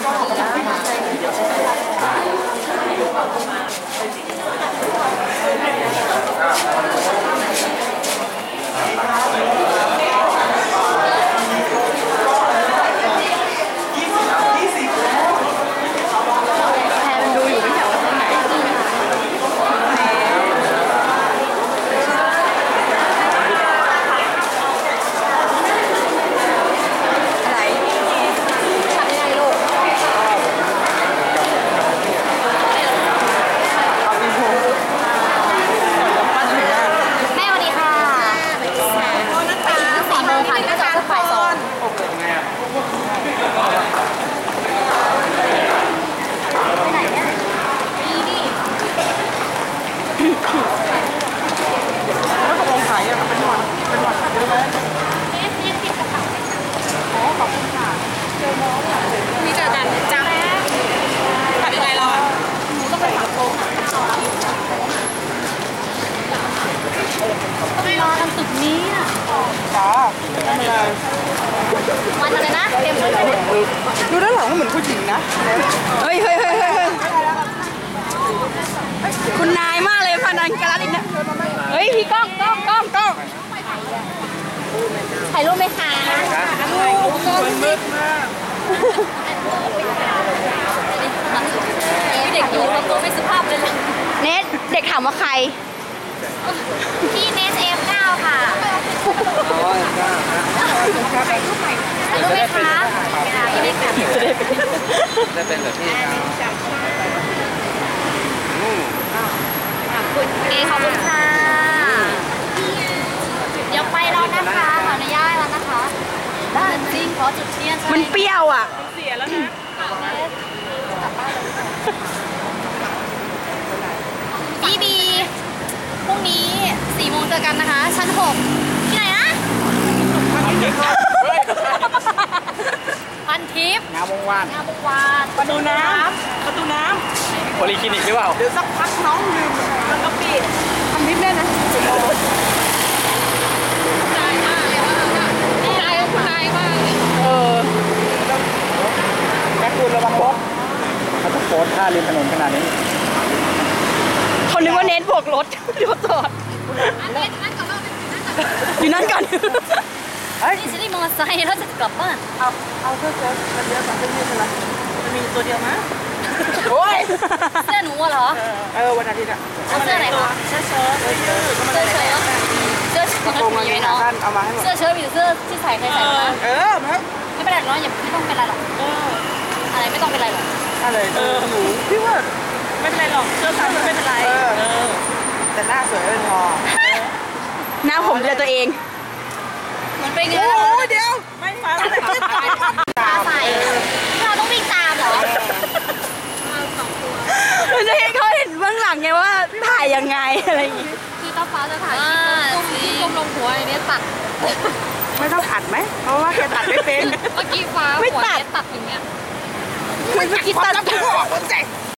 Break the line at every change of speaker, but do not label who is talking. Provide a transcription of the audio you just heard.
วันอะไรนะเต็มเลย
ดูด้านหลังเหมือนผู้หญิงนะเฮ้ยคุณนายมากเลยพนันการันอีกนะเฮ้ยพี่ก้อง
ถ่ายรูปไหมคะ
มืดมาก
เด็กอยู่ทำตัวไม่สุภาพเลย
เนทเด็กถามว่าใคร
พี่เนสF9ค่ะถ่ายรูปไหมคะยังไม่ค่ะ
จะเป็นแบบพี่
ขอบคุณค่ะเดี๋ยวไปแล้วนะคะขออนุญาตแล้วนะคะได้จริงขอจุดเทียน
มันเปรี้ยวอ่ะ
เสียแล้วนะพี่บีพรุ่งนี้4 โมงเจอกันนะคะชั้น6ที่ไหนนะพันทิพย์
งามวงวาน
ประตูน้ำ
โพลีคลินิกหรือเปล่า
เดี๋ยวสักพักน้องลืมมันก็ปิดทำทิพย์ได้นะ
นายมากเลยว่านายมาก
แม่คุณระวังรถเขาจะโพสท่าริมถนนขนาดนี้
เขานึกว่าเน้นบวกรถเดี๋ยวจอดอยู่นั่นก่อน
นี่ฉันได้มอเตอร์ไซค์แล้วจะกลับบ้าน
เอาเสื้อเชิ้ตมันเยอะกว่าเสื้อยืดใช่ไหมมันมีตัวเดียวมั้ยโอ้ย
เสื้อหนูเหรอ
วันอาทิตย์อ่ะ
เสื้อไหนคะเสื้อเชิ้ตมีไหมเนาะ
เอามาให้หมด
เสื้อเชิ้ตมีเสื้อที่ใส่ใครใส่มาไม่เป็นไรเนาะอย่าไม่ต้องเป็นไรหรอกอะไรไม่ต้องเป็นไรหรอก
อะไรหนูพี่ว่า
ไม่เป็นไรหรอกเสื้อผ้าไม่เป็นไร
แต่หน้าสวยเป็นพอหน้าผมเจอตัวเอง
มันเป็นไง
โอ้ยเดี๋ยวไม่ฟัง
ตาใส่เราต้องวิ่งตามเหรอ
มันจะให้เขาเห็นเบื้องหลังไงว่าถ่ายยังไงอะไรอย่างงี้
คือต้าฟ้าจะถ่ายก้มลงหัวไอ้เนี่ยตัด
ไม่ต้องอัดไหมเพราะว่าแกตัดไม่เป็น
เมื่อกี้ฟ้าหัวเนี่ยตัดอย่างเงี้ย
คือเมื่อกี้ตัด